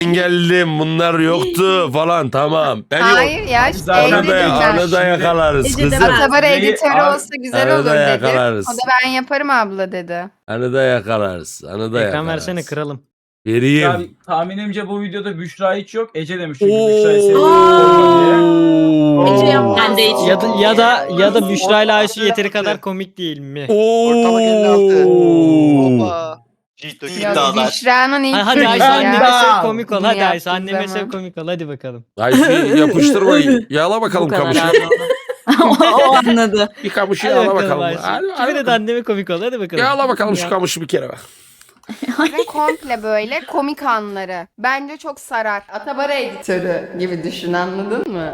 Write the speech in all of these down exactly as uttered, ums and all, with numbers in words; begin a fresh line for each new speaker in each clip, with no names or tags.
geldim bunlar yoktu falan tamam. Ben
Hayır
yok.
ya işte evde
Arada,
dedim.
arada yakalarız
Ece de
kızım.
ben-
Atabar
Neyi-
editörü
Abi,
olsa güzel
arada
olur dedi.
yakalarız.
O da ben yaparım abla dedi.
Arada yakalarız. Arada
Ekran
yakalarız.
versene kralım.
Vereyim.
Ya, tahminimce bu videoda Büşra hiç yok. Ece demiş çünkü
Oo.
Büşra'yı seviyorum diye.
Ece yapma. Ben de hiç-
Ya da ya da ya da Büşra ile Ayşe yeteri kadar komik değil mi?
Ortalık elli altı. Hoppa.
Ciddi
Ya
iddialar.
Büşra'nın ilk
Ha, hadi
çocuğu
Ayşe
ya.
anneme sev komik ol.
Bunu
Hadi Ayşe
yaptığı
anneme
zaman.
sev komik ol. Hadi bakalım.
Ayşe yapıştırma. Yağla bakalım
Bu kadar
kamışı.
abi ona. o anladı.
Bir kamışı
Hadi
yağla
bakalım
bakalım.
Ayşe.
Hadi, hadi
Kime de
bakalım.
anneme komik ol. Hadi bakalım.
Yağla bakalım şu
Ya.
kamışı bir kere bak.
Ve komple böyle komik anları. Bence çok sarar. Atabar editörü gibi düşün, anladın mı?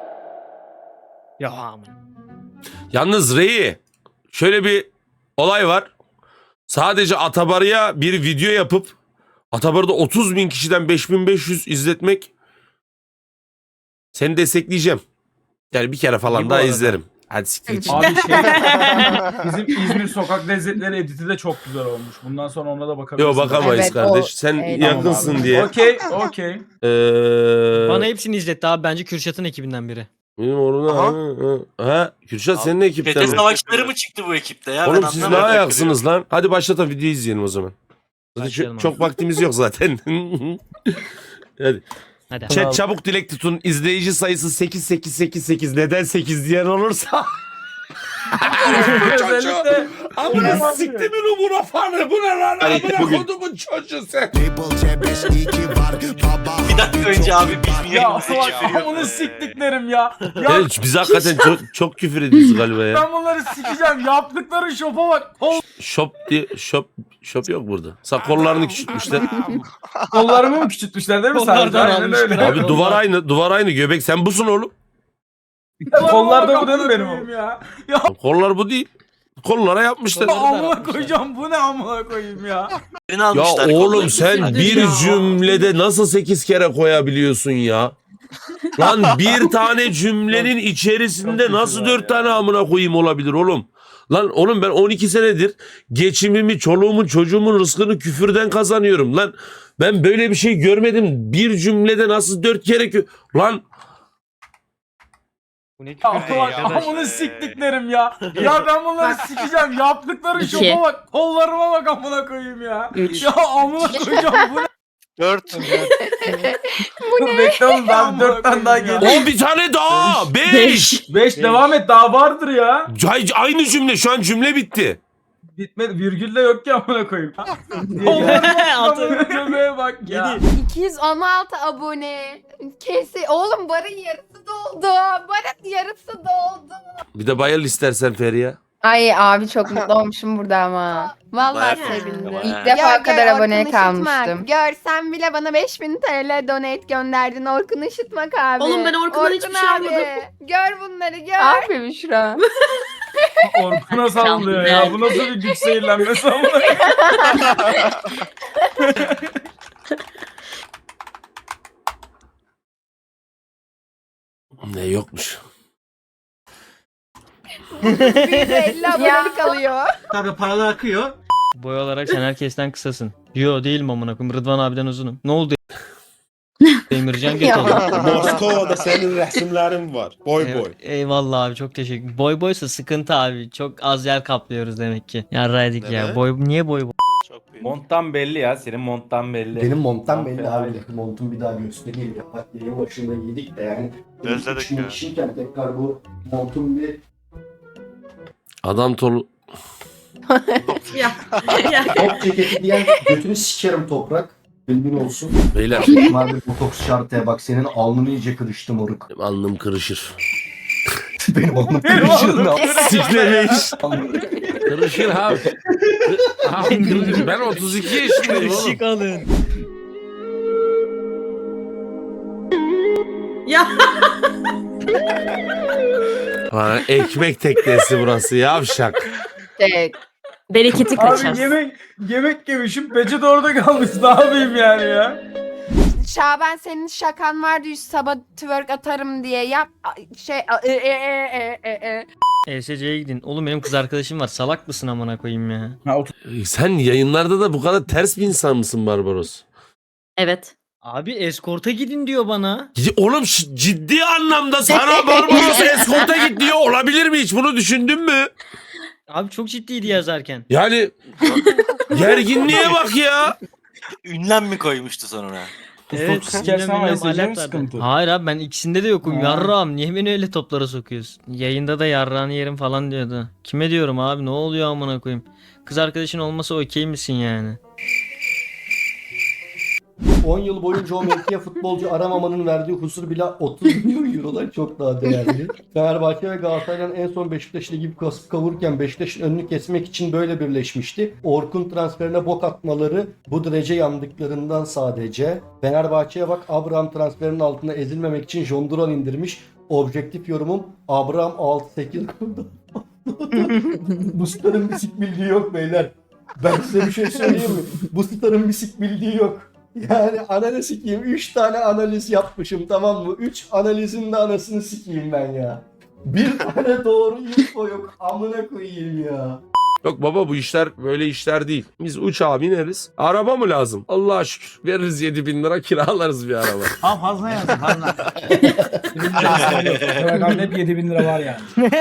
Ya aman.
Yalnız Reyi şöyle bir olay var. Sadece Atabarı'ya bir video yapıp Atabarı'da otuz bin kişiden beş bin beş yüz izletmek, seni destekleyeceğim. Yani bir kere falan
İyi bu
daha
arada.
izlerim. Hadi siktir git.
Abi şey, bizim İzmir sokak lezzetleri editi de çok güzel olmuş. Bundan sonra ona da bakabiliriz.
Yok bakamayız
Evet,
kardeş.
o-
Sen
Evet.
yakınsın
Tamam abi.
diye.
Okey, okey.
Ee,
Bana hepsini izletti abi. Bence Kürşat'ın ekibinden biri.
benim orada
Aha.
ha, ha, Kürşat senin ekipten
Çete
mi?
savaşları mı çıktı bu ekipte ya?
Oğlum
Ben
siz ne
anlamadım.
ayaksınız lan? Hadi başlatalım, video izleyelim o zaman. Zaten
Başlayalım
çok,
abi.
çok vaktimiz yok zaten. Hadi.
Hadi.
Chat çabuk dilek tutun. İzleyici sayısı sekiz sekiz sekiz sekiz. Neden sekiz diyen olursa.
Özellikle
Amına siktimin umura fanı. Bu ne lan?
Hayır,
Amına
bugün.
kodumun çocuğu sen.
Bir dakika önce abi biz mi
ya
yayınımızı
bak onu siktiklerim ya. Ya
Evet, biz hakikaten çok, çok küfür ediyoruz galiba ya.
ben bunları sikeceğim. Yaptıkları şopa bak. Kol,
Shop diye shop shop yok burada. Sa kollarını küçültmüşler.
kollarımı mı küçültmüşler değil mi sadece?
Kollardan
Aynen
almışlar.
öyle.
Abi duvar aynı, duvar aynı. Göbek sen busun oğlum.
Kollar da bu değil mi benim oğlum? Ya. Ya
Kollar bu değil. Kollara yapmışlar.
amına koyacağım. Bu ne amına koyayım ya?
Birini
Ya
almışlar.
oğlum
kollarını.
sen
Hadi
bir
ya.
cümlede nasıl sekiz kere koyabiliyorsun ya? Lan bir tane cümlenin içerisinde
çok
nasıl
kötü
dört
ya.
tane amına koyayım olabilir oğlum? Lan oğlum ben on iki senedir geçimimi, çoluğumun, çocuğumun rızkını küfürden kazanıyorum lan. Ben böyle bir şey görmedim. Bir cümlede nasıl dört kere kü... Lan
Bu ne
Ya
küfür
bak
arkadaş.
amına siktiklerim ya. Ya ben bunları sikeceğim. Yaptıkları
İki.
şopa bak. Kollarıma bak amına koyayım ya.
Üç.
Ya amına koyacağım. Bu ne?
Dört.
Bekle oğlum daha dört tane daha geliyor.
on bir tane daha. Beş.
Beş.
Beş devam et daha vardır ya.
Ay- Aynı cümle, şu an cümle bitti.
Bitmedi. Virgül de yok ki amına koyayım.
Altı.
Kollarıma göbeğe bak ya.
iki yüz on altı abone. Kesi. Oğlum barın yarısı doldu. Barın yarısı doldu.
Bir de bayıl istersen Feriha.
Ay abi çok mutlu olmuşum burada ama. Vallahi
Bayağı
sevindim.
bayağı.
İlk defa
Ya
kadar
gel,
aboneye
Orkun Işıtmak.
kalmıştım.
Görsen bile bana beş bin T L donate gönderdin Orkun Işıtmak abi.
Oğlum ben Orkun'dan hiçbir şey
abi,
almadım.
Gör bunları gör.
Abi Büşra.
Orkun'a sallıyor ya. Bu nasıl bir güç seyirlenmesi amına koyayım.
Ne yokmuş.
Bir de elli abonelik alıyor.
Tabii paralar akıyor.
Boy olarak sen herkesten kısasın. Yo değilim amına koyayım. Rıdvan abiden uzunum. Ne oldu? Emircan göt oldu.
Moskova'da senin resimlerin var. Boy boy.
Ey- Eyvallah abi çok teşekkür. Boy boysa sıkıntı abi. Çok az yer kaplıyoruz demek ki. Ya raydik ya.
Evet.
Boy niye boy boy?
Çok büyük.
Monttan belli ya. Senin monttan belli.
Benim montam belli abi. Montum bir daha göstereyim ya. Bak yayın başında yedik de yani.
Özledik
üç bin
ya.
kişiyken tekrar bu montum bir
Adam tolu...
Ya. Ya.
top ceketi diyen götünü sikerim toprak. Bilgin olsun.
Beyler
Madem botoks şartıya bak senin alnını iyice kırıştı moruk.
benim alnım kırışır.
Benim alnım kırışır. Ne
Siklemeyiş.
yapayım?
Kırışır abi. Abi kırışır. Ben otuz iki yaşındayım oğlum.
Işık alın.
Ya.
Lan ekmek teknesi burası yavşak.
Tek.
Bereketi kaçar.
Abi yemek yemek yemişim. Peçete orada kalmış. Ne yapayım yani ya?
Şaban senin şakan vardı yüz sabah twerk atarım diye yap şey e e e e e.
E S C'ye gidin. Oğlum benim kız arkadaşım var. Salak mısın amına koyayım ya?
Ha, otur.
Sen yayınlarda da bu kadar ters bir insan mısın Barbaros?
Evet.
Abi eskorta gidin diyor bana.
Ya Oğlum şi- ciddi anlamda sana Barbaros eskorta git diyor. Olabilir mi hiç? Bunu düşündün mü?
Abi çok ciddiydi yazarken.
Yani gerginliğe bak ya.
Ünlem mi koymuştu sonra?
Evet.
sikersen
bilmem
ama
bilmem,
S C mi
alet vardı.
sıkıntı?
Hayır abi ben ikisinde de yokum.
Ha.
Yarrağım niye beni öyle toplara sokuyorsun? Yayında da yarrağını yerim falan diyordu. Kime diyorum abi ne oluyor amına koyayım? Kız arkadaşın olmasa okey misin yani?
on yıl boyunca o mevkiye futbolcu aramamanın verdiği huzur bile otuz milyon eurodan çok daha değerli. Fenerbahçe ve Galatasaray'dan en son Beşiktaş Ligi kasıp kavururken Beşiktaş'ın önünü kesmek için böyle birleşmişti. Orkun transferine bok atmaları bu derece yandıklarından sadece. Fenerbahçe'ye bak, Abraham transferinin altına ezilmemek için Jonduran indirmiş. Objektif yorumum, Abraham altı sekiz kurdu. Bu starın bisik bildiği yok beyler. Ben size bir şey söyleyeyim mi? Bu starın bisik bildiği yok. Yani ananı sikeyim. üç tane analiz yapmışım, tamam mı? üç analizin de anasını sikeyim ben ya. Bir tane doğru info yok. Amına koyayım ya.
Yok baba bu işler böyle işler değil. Biz uçağa bineriz. Araba mı lazım? Allah'a şükür. Veririz yedi bin lira kiralarız bir araba.
Tamam fazla yazın fazla. Programda hep yedi bin lira var yani.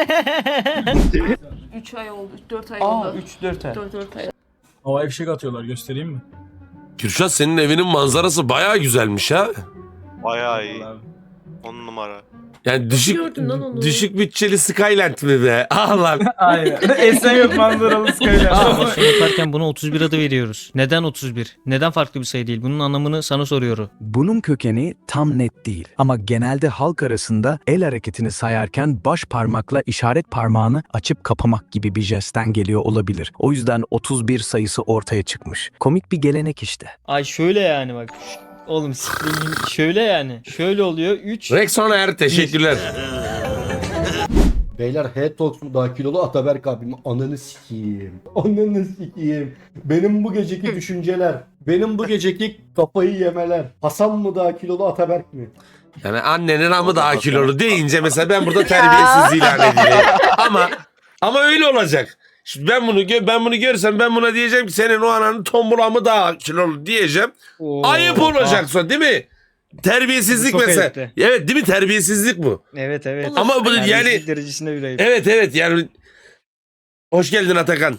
üç ay oldu. dört ay
Aa
oldu.
üç dört ay.
dört dört ay.
Havai fişek atıyorlar, göstereyim mi?
Kürşat senin evinin manzarası bayağı güzelmiş ha.
Bayağı iyi.
Vallahi.
On numara.
Yani düşük
gördün lan onu?
düşük bütçeli Skyland mi be? Ah lan.
Aynen. Esenyurt manzaralı skaylar.
Ama şunu yaparken buna otuz bir adı veriyoruz. Neden otuz bir? Neden farklı bir sayı değil? Bunun anlamını sana soruyorum.
Bunun kökeni tam net değil ama genelde halk arasında el hareketini sayarken baş parmakla işaret parmağını açıp kapamak gibi bir jestten geliyor olabilir. O yüzden otuz bir sayısı ortaya çıkmış. Komik bir gelenek işte.
Ay şöyle yani bak. Oğlum siktirin şöyle yani. Şöyle oluyor. üç.
Rexoner teşekkürler.
Beyler head talks mu daha kilolu, Ataberk abim, ananı sikeyim. Ananı sikeyim. Benim bu geceki düşünceler. Benim bu geceki kafayı yemeler. Hasan mı daha kilolu, Ataberk mi?
Yani annenin amı daha kilolu deyince mesela ben burada terbiyesiz ilan edileyim. Ama ama öyle olacak. Şimdi ben bunu gö- ben bunu görsem ben buna diyeceğim ki senin o ananın tombul amı daha kilolu diyeceğim.
Oo.
Ayıp olacak sonra değil mi? Terbiyesizlik
Çok
mesela.
ayıptı.
Evet değil mi? Terbiyesizlik bu.
Evet evet.
Ama bu yani
Terbiyesizlik derecesinde bir ayıp.
evet evet yani hoş geldin Atakan.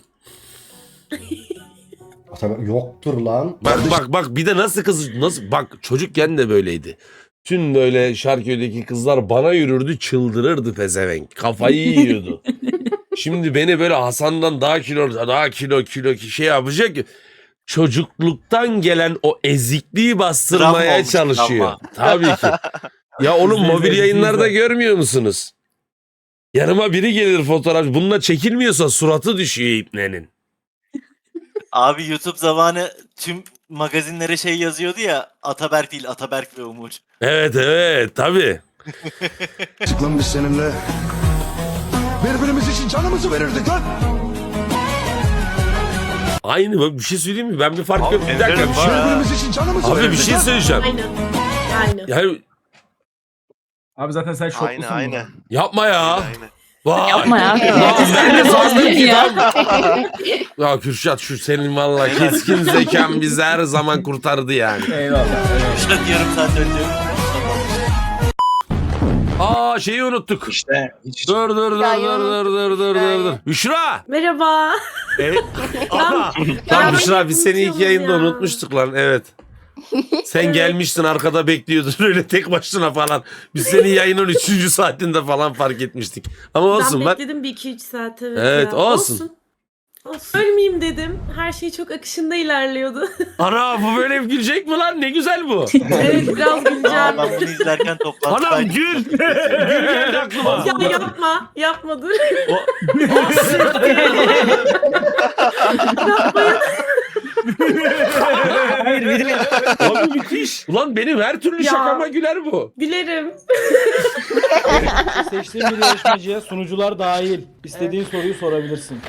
Ataberk yoktur lan.
Bak bak bak bir de nasıl kız nasıl bak çocukken de böyleydi. Tüm böyle Şarköy'deki kızlar bana yürürdü çıldırırdı pezevenk. Kafayı yiyordu. Şimdi beni böyle Hasan'dan daha kilo daha kilo kilo şey yapacak ki çocukluktan gelen o ezikliği bastırmaya
Travma olmuş,
çalışıyor.
travma.
Tabii ki. Ya onun
İzle,
mobil
izle,
yayınlarda
izle.
görmüyor musunuz? Yanıma biri gelir fotoğraf. Bununla çekilmiyorsa suratı düşüyor ipnenin.
Abi YouTube zamanı tüm magazinlere şey yazıyordu ya. Ataberk değil, Ataberk ve Umur.
Evet evet tabii.
Lan biz seninle birbirimiz için canımızı verirdik lan.
Aynı bak bir şey söyleyeyim mi? Ben bir fark yok. Bir dakika
Ederim
bir şey.
var ha.
Birbirimiz için canımızı
Abi bir
verirdik
şey
lan.
söyleyeceğim.
Aynen. Aynen.
Yani
Abi zaten sen şoklusun. Aynen aynen.
yapma ya.
Aynen.
Vay.
Yapma ya.
Lan ben de sandım ki
Ya.
tam. Ya Kürşat şu senin valla keskin zekan bizi her zaman kurtardı yani.
Eyvallah. eyvallah.
Şurada yarım saat önce.
Aa şeyi unuttuk.
İşte.
Dur dur dur dur
Ya,
dur dur dur dur dur. Büşra.
Merhaba.
Evet. Aha. Lan Büşra biz seni ilk yayında unutmuştuk lan evet. Sen gelmiştin arkada bekliyordun öyle tek başına falan. Biz seni yayının üçüncü saatinde falan fark etmiştik. Ama olsun
ben
bak.
bekledim bir iki üç saat evet.
Evet,
ya.
olsun.
Olsun. Ölmeyeyim dedim. Her şey çok akışında ilerliyordu.
Ana bu böyle gülecek mi lan? Ne güzel bu.
Evet biraz güleceğim.
Aa, ben bunu izlerken
Anam
toplantıdaydım.
gül. Gül geldi aklıma.
Ya yapma. Yapma dur.
Abi müthiş. Ulan benim her türlü
Ya.
şakama güler bu.
Gülerim.
Seçtiğin bir yarışmacıya sunucular dahil istediğin soruyu sorabilirsin.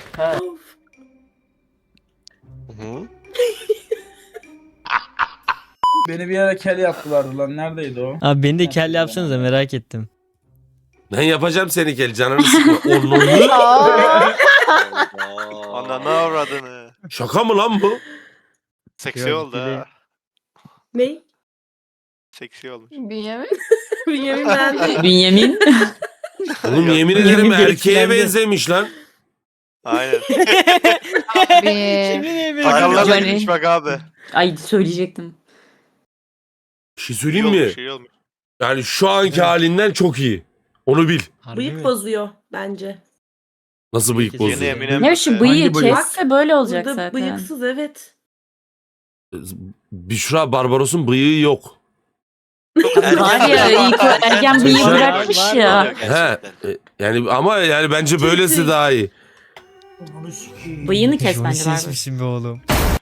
Beni bir ara kel yaptılardı lan. Neredeydi o?
Abi beni de kel yapsanıza merak ettim.
Ben yapacağım seni kel canını sıkma. Onurlu.
Aa,
Ana ne avradını.
Şaka mı lan bu?
Seksi
Yok,
oldu
gibi.
ha.
Ne?
Seksi olmuş.
Bünyamin.
Bünyamin ben.
Bünyamin.
Oğlum yemin
Yemin
ederim erkeğe
etkilendi.
benzemiş lan.
Aynen.
Abi.
Sakallar da
Johnny.
gitmiş bak abi.
Ay söyleyecektim.
Bir şey
İyi
söyleyeyim
olmuş,
mi?
iyi olmuş.
Yani şu anki halinden çok iyi. Onu bil.
Harbi
Bıyık
mi?
bozuyor bence.
Nasıl bıyık
Yeni
Yeni
bozuyor?
Eminem.
Ne biçim
Hangi
bıyığı
bıyık?
kesse böyle olacak
Burada
zaten.
bıyıksız evet.
Büşra Barbaros'un bıyığı yok.
Var ya ilk o ergen bıyığı
Var,
bırakmış
var,
ya.
var.
He. e, Yani ama yani bence böylesi daha iyi.
Bıyığını kes
Johnny
bence Barbaros.
sesmişsin be oğlum.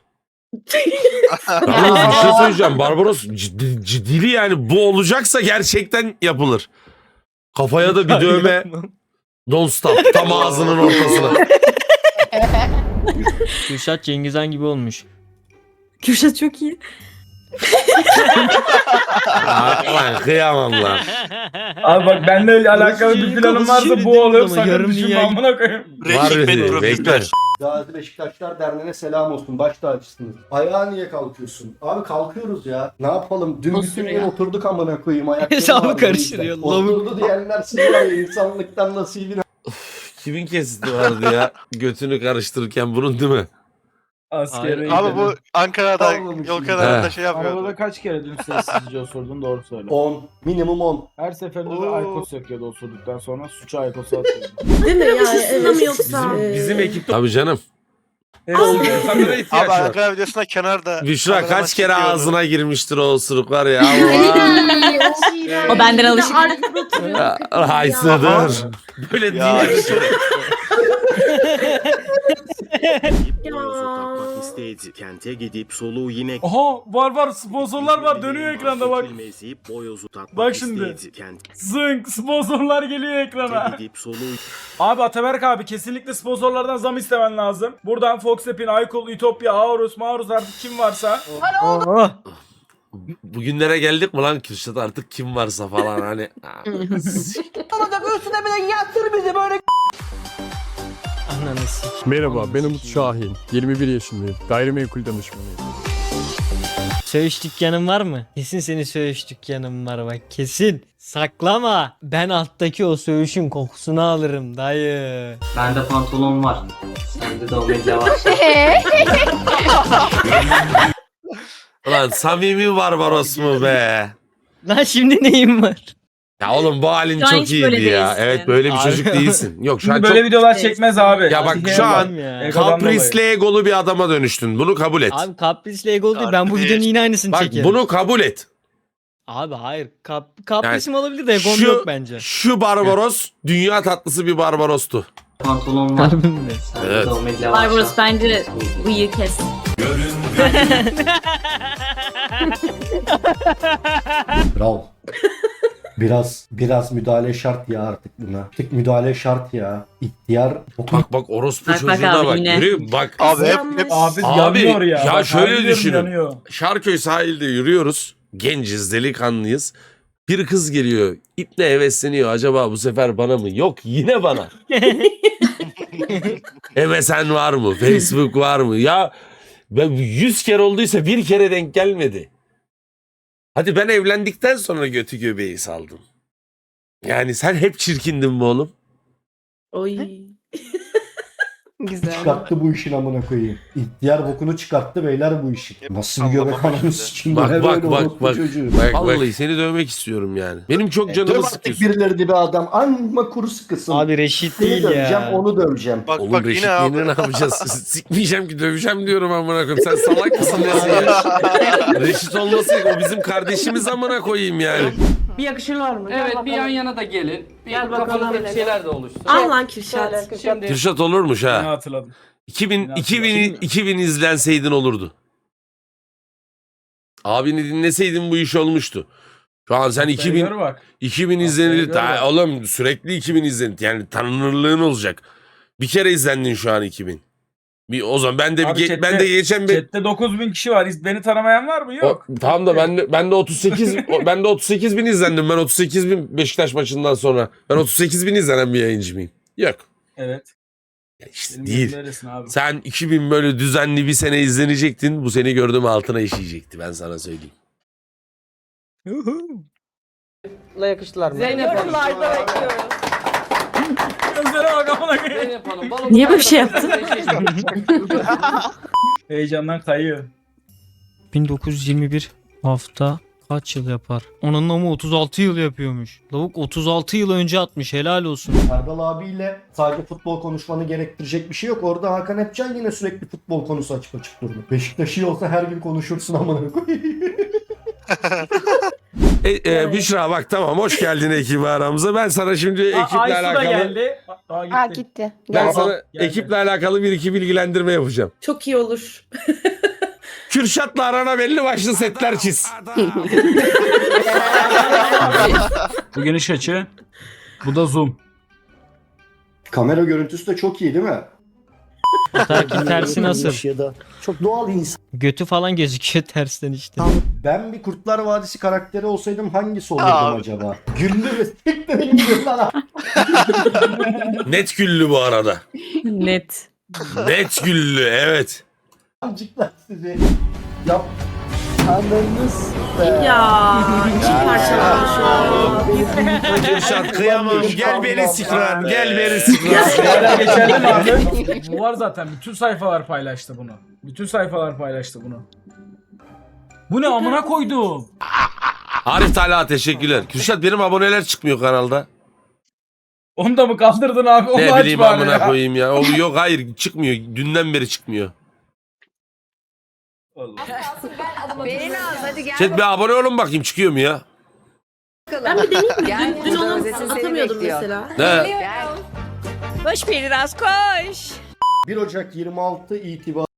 Yalnız bir şey söyleyeceğim. Barbaros ciddi, ciddili yani bu olacaksa gerçekten yapılır. Kafaya da bir dövme. Don't stop. Tam ağzının ortasına.
Kürşat Cengizhan gibi olmuş.
Kürşat çok iyi.
Lan kıyamam lan.
Abi bak benimle öyle alakalı
Orası
bir
şeyin
planım
kafası
varsa
şöyle
bu
değil
olur.
ama,
Sakın
yarım
düşünme
dünya-
amına koyayım.
Var
Hikmet
dedi.
profesör.
Bekle.
Gazi Beşiktaşlar Derneği'ne selam olsun. Baş tacısınız. Ayağa niye kalkıyorsun? Abi kalkıyoruz ya. Ne yapalım? Dün bütün gün
Osuruyor.
oturduk amına koyayım. Ayaklarım
Hesabı
ağrıdı
karıştırıyor,
bizden.
lavuk.
Oturdu diyenler siz var ya insanlıktan nasibini
Kimin kesiti vardı ya? Götünü karıştırırken bunun değil mi?
Askeri.
Abi bu Ankara'da
Almamışım.
yol kenarında
He.
şey yapıyor.
Arabada kaç kere dün sessizce osurdun doğru söyle.
on. Minimum on.
Her seferinde de
Oo.
Aykos yakıyordu osurduktan sonra suçu Aykos'a atıyordu.
Değil mi yani?
Aşısında
Evet.
mı yoksa?
Ee,
Bizim ekipte. Tabii canım.
Kamera
Abi
ihtiyaç var.
Ankara videosunda kenarda.
Büşra
kameraman
kaç kere
çekiyordu.
ağzına girmiştir o osuruklar ya.
O benden alışık.
Haysıdır. Böyle
Ya
değil.
işte.
Ya.
Kente gidip soluğu yine
Aha var var sponsorlar var dönüyor ekranda bak. Bak şimdi. Zınk sponsorlar geliyor ekrana.
Gidip soluğu
Abi Ataberk abi kesinlikle sponsorlardan zam istemen lazım. Buradan Fox App'in, Aykul, Ütopya, Aorus, Maurus artık kim varsa.
Oh.
Bugünlere geldik mi lan Kürşat artık kim varsa falan hani.
Ananı sik.
Merhaba, ben Umut Şahin. yirmi bir yaşındayım. Gayrimenkul danışmanıyım.
Söğüş dükkanın var mı? Kesin senin söğüş dükkanın var bak kesin. Saklama. Ben alttaki o söğüşün kokusunu alırım dayı.
Bende pantolon var. Sende de o medya var.
Ulan samimi Barbaros mu be?
Lan şimdi neyim var?
Ya oğlum bu halin
Şu an
çok
hiç
iyiydi
böyle
ya.
değilsin.
Evet böyle bir
Abi-
çocuk değilsin. Yok şu an
Şimdi böyle
çok...
videolar çekmez abi.
Ya bak
Sihir
şu
var.
an
ya.
Egodan
kaprisli egolu bir adama dönüştün. Bunu kabul et.
Abi kaprisle egolu değil. Ben bu
Harbi.
videonun yine aynısını
Bak
çekerim.
bunu kabul et.
Abi hayır. Kap, kaprisim olabilir de egom
Şu,
yok bence.
şu Barbaros dünya tatlısı bir Barbaros'tu.
Pantolon var.
Harbi mi?
Evet.
Barbaros bence bıyığı kes.
Bravo. Biraz biraz müdahale şart ya artık buna. Artık müdahale şart ya. İhtiyar.
Bak bak orospu
Bak, bak
çocuğuna
abi
bak.
yine.
Görüyor musun? Bak
Abi hep, hep
Abi,
Abi,
yanıyor ya.
ya
Bak,
şöyle
harbi diyorum,
düşünün.
yanıyor.
Şarköy sahilde yürüyoruz. Genciz, delikanlıyız. Bir kız geliyor. İple hevesleniyor. Acaba bu sefer bana mı? Yok yine bana. M S N var mı? Facebook var mı? Ya ben yüz kere olduysa bir kere denk gelmedi. Hadi ben evlendikten sonra götü göbeği saldım. Yani sen hep çirkindin mi oğlum?
Oy.
Güzel.
Çıkarttı bu işin amına koyayım. İhtiyar bokunu çıkarttı beyler bu işin. Nasıl bir
Sallama
göbek ananı
başladı.
sikeyim.
Bak
bu ne
bak
böyle
bak
orospu
bak.
çocuğu.
Bak vallahi seni dövmek istiyorum yani. Benim çok
Döv
canımı
artık
sıkıyorsun.
birileri de bir adam. Amma kuru sıkısın.
Abi Reşit
Seni
değil
döveceğim
ya.
onu döveceğim.
bak
Oğlum
bak
Reşit
yine abi.
yine ne yapacağız? Sikmeyeceğim ki döveceğim diyorum amına koyayım. Sen salak mısın ya? Reşit olmasın o bizim kardeşimiz amına koyayım yani.
Bir yakışır var mı?
Evet bir yan yana da gelin. Bir
Gel bakalım.
kafanızda bir şeyler de oluşsun.
Al lan Kürşat.
Şimdi
Kürşat olurmuş
Ne
ha.
hatırladım.
iki bin,
Yine
iki bin,
hatırladım.
iki bin izlenseydin olurdu. Abini dinleseydin bu iş olmuştu. Şu an sen iki bin,
Gör bak.
iki bin
Haftaya
izlenir.
gör
Daha,
bak.
oğlum sürekli iki bin izlenir. Yani tanınırlığın olacak. Bir kere izlendin şu an iki bin. Bir, o zaman ben de bir
Abi
ge-
chatte-
ben de geçen bir
Chatte dokuz bin kişi var. Beni tanımayan var mı? Yok.
O, tamam da ben de, ben de otuz sekiz o- ben de otuz sekiz bin izlendim. Ben otuz sekiz bin Beşiktaş maçından sonra. Ben otuz sekiz bin izlenen bir yayıncı mıyım? Yok.
Evet.
Ya işte
Benim
değil.
gözüm öylesin abi.
Sen iki bin böyle düzenli bir sene izlenecektin. Bu seni gördüğüm altına işeyecekti ben sana söyleyeyim.
yakıştılar mı?
Zeynep Yorumlarda bekliyoruz.
Gözlere bak amına koyayım.
Niye böyle bir şey yaptın?
Heyecandan kayıyor.
bin dokuz yüz yirmi bir hafta kaç yıl yapar? Onun ama otuz altı yıl yapıyormuş. Lavuk otuz altı yıl önce atmış, helal olsun.
Erdal abiyle sadece futbol konuşmanı gerektirecek bir şey yok. Orada Hakan Epcan yine sürekli futbol konusu açıp açıp durdu. Beşiktaş iyi olsa her gün konuşursun amına koyayım.
E, e, Büşra bak tamam hoş geldin ekibi aramıza. Ben sana şimdi
Aa,
ekiple
Aysu da
alakalı
geldi. Aa, gitti.
Aa gitti.
ben
Gel.
sana
Geldi.
ekiple alakalı bir iki bilgilendirme yapacağım.
Çok iyi olur.
Kürşat'la arana belli başlı setler çiz.
Bu geniş açı. Bu da zoom.
Kamera görüntüsü de çok iyi değil mi?
Fotoğrafın tersi nasıl?
Ya da çok doğal insan.
Götü falan gözüküyor tersten işte.
Ben bir Kurtlar Vadisi karakteri olsaydım hangisi olurdum
Abi.
acaba? Güldü ve siktirin gidiyorlar.
Net güllü bu arada.
Net.
Net güllü evet.
Amcıklar sizi. Yap. Anladınız.
Ya iki parçalanmış o.
Kürşat kıyamam gel beni sikran gel beni sikran.
Hala geçerli mi abi? Bu var zaten. Bütün sayfalar paylaştı bunu. Bütün sayfalar paylaştı bunu. Bu ne amına koydum?
Arif Talha teşekkürler. Kürşat benim aboneler çıkmıyor kanalda.
Onu da mı kaldırdın abi? Onu
Ne
aç
bileyim
bari
amına
ya.
koyayım ya. O, yok hayır çıkmıyor. Dünden beri çıkmıyor.
Beni az hadi gel.
Chat bir abone olun bakayım çıkıyor mu ya?
Ben bir deneyeyim mi?
Gel,
Dün, dün
burada
onu
Özet'in seni
atamıyordum
bekliyor.
mesela.
Ne?
Gel.
Koş biraz koş.
bir Ocak yirmi altı itibariyle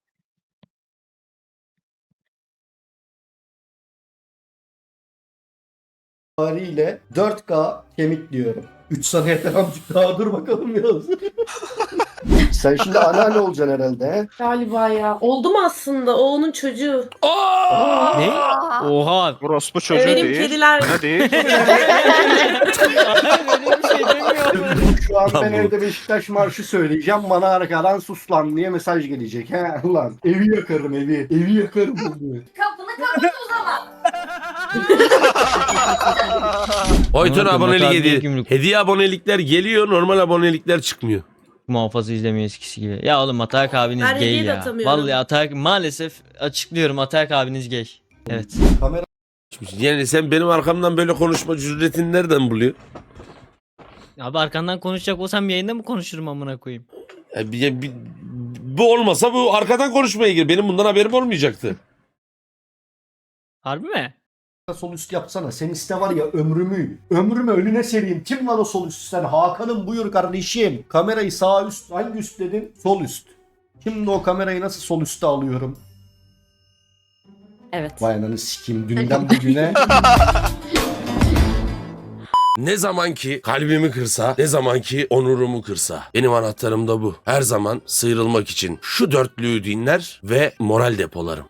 dört K kemik diyorum. üç saniyede amcık daha dur bakalım biraz. Sen şimdi anneanne olacaksın herhalde he?
Galiba ya. Oldu mu aslında? O onun çocuğu.
Ne? Oha.
Orospu çocuğu
Benim
değil.
kediler.
Ne değil?
Böyle bir şey demiyorum.
Şu an
Lan
ben
bu-
evde Beşiktaş marşı söyleyeceğim. Bana arkadan sus lan diye mesaj gelecek. He ulan evi yakarım evi. Evi yakarım bunu.
Oytun
Anladım,
abonelik
hata
hediye.
değil, gümrük.
Hediye abonelikler geliyor normal abonelikler çıkmıyor.
Muhafaza izlemiyor eskisi gibi. Ya oğlum Atayak abiniz
Ben
gay
hediye de
ya.
atamıyorum.
Vallahi Atayak maalesef açıklıyorum Atayak abiniz gay. Evet.
Kamera
Yani sen benim arkamdan böyle konuşma cüretini nereden buluyorsun?
Abi arkandan konuşacak olsam yayında mı konuşurum amına koyayım?
Ya bir- bir- bu olmasa bu arkadan konuşmaya gir. Benim bundan haberim olmayacaktı.
Harbi mi?
sol üst yapsana. Sen iste var ya ömrümü. Ömrümü önüne sereyim. Kim lan o sol üst sen? Hakan'ım buyur kardeşim. Kamerayı sağ üst. Hangi üst dedin? Sol üst. Şimdi o kamerayı nasıl sol üste alıyorum?
Evet.
Vay ananı sikeyim. Dünden bugüne.
Ne zaman ki kalbimi kırsa, ne zaman ki onurumu kırsa. Benim anahtarım da bu. Her zaman sıyrılmak için şu dörtlüğü dinler ve moral depolarım.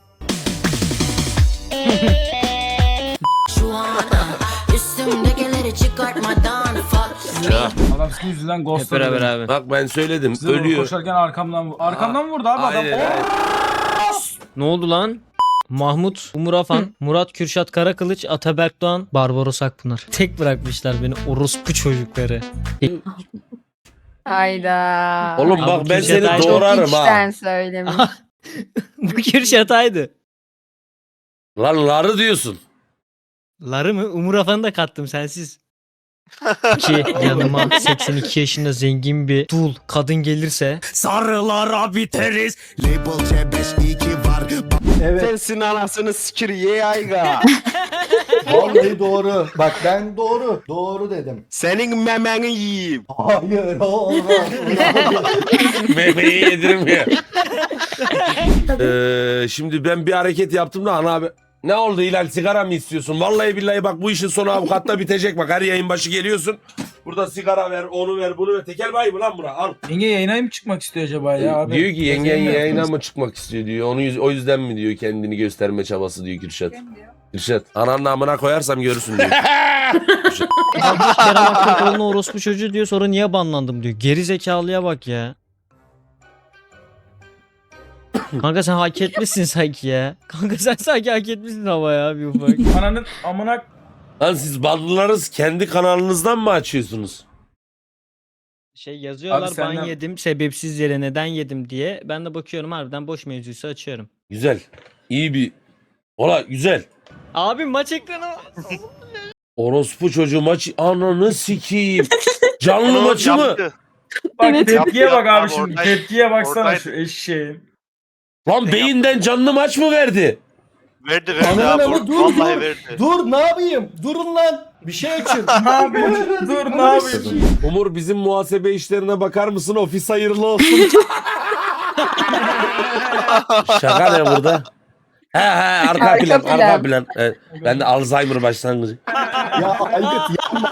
Şu an üstümdekileri çıkartmadan
Ya,
Adam sizin yüzünden
Hep
ghostladı.
beraber
beni.
abi.
bak ben söyledim.
Size doğru
Ölüyor.
koşarken arkamdan vurdu. Arkamdan mı vurdu abi adam?
Aynen, aynen.
Ne oldu lan? Mahmut, Umur Afan, Murat Kürşat Karakılıç, Ataberk Doğan, Barbaros Akpınar. Tek bırakmışlar beni orospu çocukları.
Hayda.
Oğlum
Abi
bak ben
Kürşat
seni
Aydoğan-
doğrarım ha.
İçten söylemiş.
Bu Kürşat'aydı.
Lan ları diyorsun.
Ları mı? Umur Afan'ı da kattım sensiz. Ki yanıma seksen iki yaşında zengin bir dul kadın gelirse
Sarılara biteriz. Label C beş iki var.
Evet.
Sensin anasını sikir ye ayga.
Vallahi doğru. Bak ben doğru. Doğru dedim.
Senin memeni yiyeyim.
Hayır olmaz.
Memeyi yedirmiyor. ee, şimdi ben bir hareket yaptım da ana abi. Ne oldu Hilal sigara mı istiyorsun? Vallahi billahi bak bu işin sonu avukatta bitecek bak. Her yayın başı geliyorsun. Burada sigara ver, onu ver, bunu ver. Tekel bayi mı lan bura? Al.
Yenge yayına mı çıkmak istiyor acaba ya abi?
Diyor ki yengen
Senin de-
yayına mı çıkmak istiyor diyor. Onu yüz- o yüzden mi diyor kendini gösterme çabası diyor Kürşat. Kürşat ananın amına koyarsam görürsün diyor.
Kardeş Kerem Aktürkoğlu'na orospu çocuğu diyor sonra niye banlandım diyor. Geri zekalıya bak ya. Kanka sen hak etmişsin sanki ya. Kanka sen sanki hak etmişsin ama ya bir ufak.
Ananın amına
Lan siz banlılarınız kendi kanalınızdan mı açıyorsunuz?
Şey yazıyorlar
Abi senden-
ban yedim sebepsiz yere neden yedim diye. Ben de bakıyorum harbiden boş mevzuysa açıyorum.
Güzel. İyi bir... Ola güzel.
Abi maç ekranı var.
Orospu çocuğu maçı ananı sikeyim. Canlı maçı mı?
bak
Evet.
tepkiye bak
Yaptı,
abi
abi,
şimdi.
oradaydı.
Tepkiye baksana
Oradaydı.
şu eşeğin.
Lan beyinden canlı maç mı verdi?
Verdi verdi
Ananın
abi.
amı dur
Vallahi
dur.
verdi.
Dur ne yapayım? Durun lan. Bir şey açın.
Ne yapıyorsun? Dur ne yapıyorsun?
Umur bizim muhasebe işlerine bakar mısın? Ofis hayırlı olsun. Şaka ne burada? He he arka,
Arka
plan,
plan.
arka plan. Evet, ben de Alzheimer başlangıcı.
Ya Aykut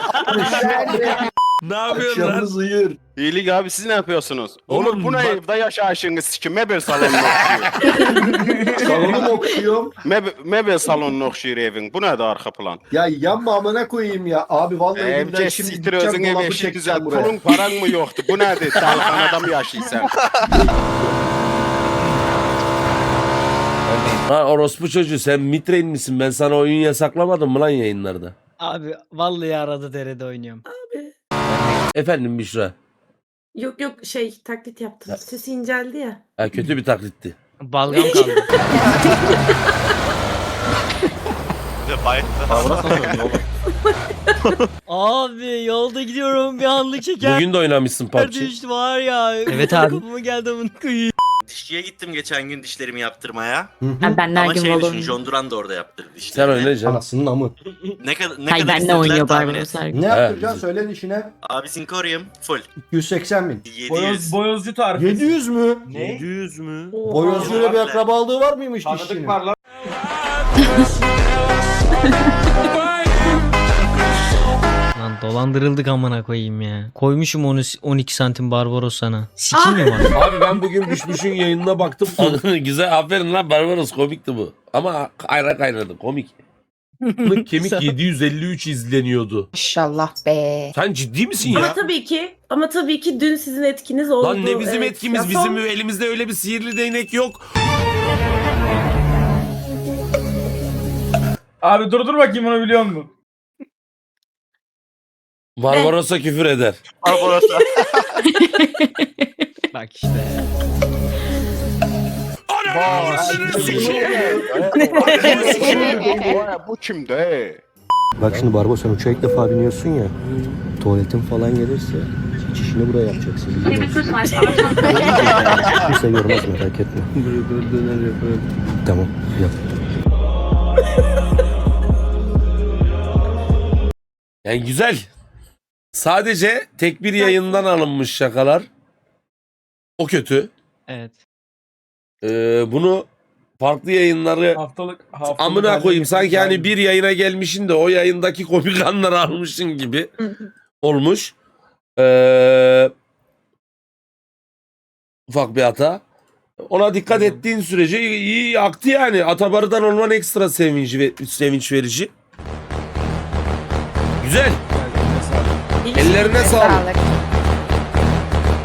Ne yapıyorsun lan?
yapacağımız uyur.
İyilik abi siz ne yapıyorsunuz?
Oğlum
Oğlum bu ne
bak-
evde yaşayışınız sikim mebel salonunu okşuyor.
Salonu mu okşuyorum?
Mebel, mebel salonunu okşuyor evin. Bu ne de arka plan?
Ya yanma amına koyayım ya. Abi vallahi elimden
Evce
şimdi
siktir
gideceğim
özün evi
dolabı
eşi güzel.
çekeceğim buraya.
Pulun paran mı yoktu? Bu nedir? Dalhanada mı yaşıyorsun?
Ha orospu çocuğu sen mitrein misin? Ben sana oyun yasaklamadım mı lan yayınlarda?
Abi vallahi arada derede oynuyorum.
Efendim Büşra.
Yok yok şey taklit yaptım. Sesi inceldi ya.
Ha, kötü bir taklitti.
Balgam kaldı. Abi yolda gidiyorum bir anlık şeker.
Bugün de oynamışsın P U B G.
düştü var ya. Evet abi. Kapıma geldi amına koyayım.
Dişçiye gittim geçen gün dişlerimi yaptırmaya.
Ha, ben de her
Ama
gün
şey düşün,
Valorant.
John Duran da orada yaptırdı
Sen
dişlerini.
oynayacaksın.
Anasının amı.
Ne kadar ne
Hay
kadar
benle
istediler
oynuyor
tahmin
Barbaros
et.
her gün.
Ne
Evet.
yaptıracaksın? Söyle işine.
Abi Sinkorium full.
iki yüz seksen bin.
yedi yüz.
Boyoz, boyozcu tarifi.
yedi yüz mü?
yedi yüz mü?
Boyozcuyla bir akrabalığı var mıymış dişçinin?
Tanıdık var lan.
Lan dolandırıldık amına koyayım ya. Koymuşum onu on iki santim Barbaros sana. Sikin mi var?
Abi ben bugün Büşbüş'ün yayınına baktım. Güzel aferin lan Barbaros komikti bu. Ama kayra kaynadı komik. Bunun kemik yedi yüz elli üç izleniyordu.
Maşallah be.
Sen ciddi misin
Ama
ya?
tabii ki ama tabii ki dün sizin etkiniz oldu.
Lan ne bizim
Evet.
etkimiz?
Ya
Bizim
son-
elimizde öyle bir sihirli değnek yok.
Abi dur dur bakayım onu biliyor musun?
Barbaros'a küfür eder.
Barbaros'a.
Bak işte.
Bu kimde?
Bak şimdi Barbo sen uçağa ilk defa biniyorsun ya. Tuvaletin falan gelirse çişini buraya yapacaksın. Kimse görmez merak etme. Tamam yap.
Yani güzel. Sadece tek bir yayından alınmış şakalar. O kötü.
Evet.
Ee, bunu farklı yayınları
Haftalık haftalık.
amına koyayım
halde
sanki hani
yani.
bir yayına gelmişin de o yayındaki komik anları almışsın gibi olmuş. Ee, ufak bir hata. Ona dikkat ettiğin sürece iyi, iyi aktı yani. Atabarı'dan olman ekstra sevinç, ve, sevinç verici. Güzel. Ellerine sağlık.
Sağlık.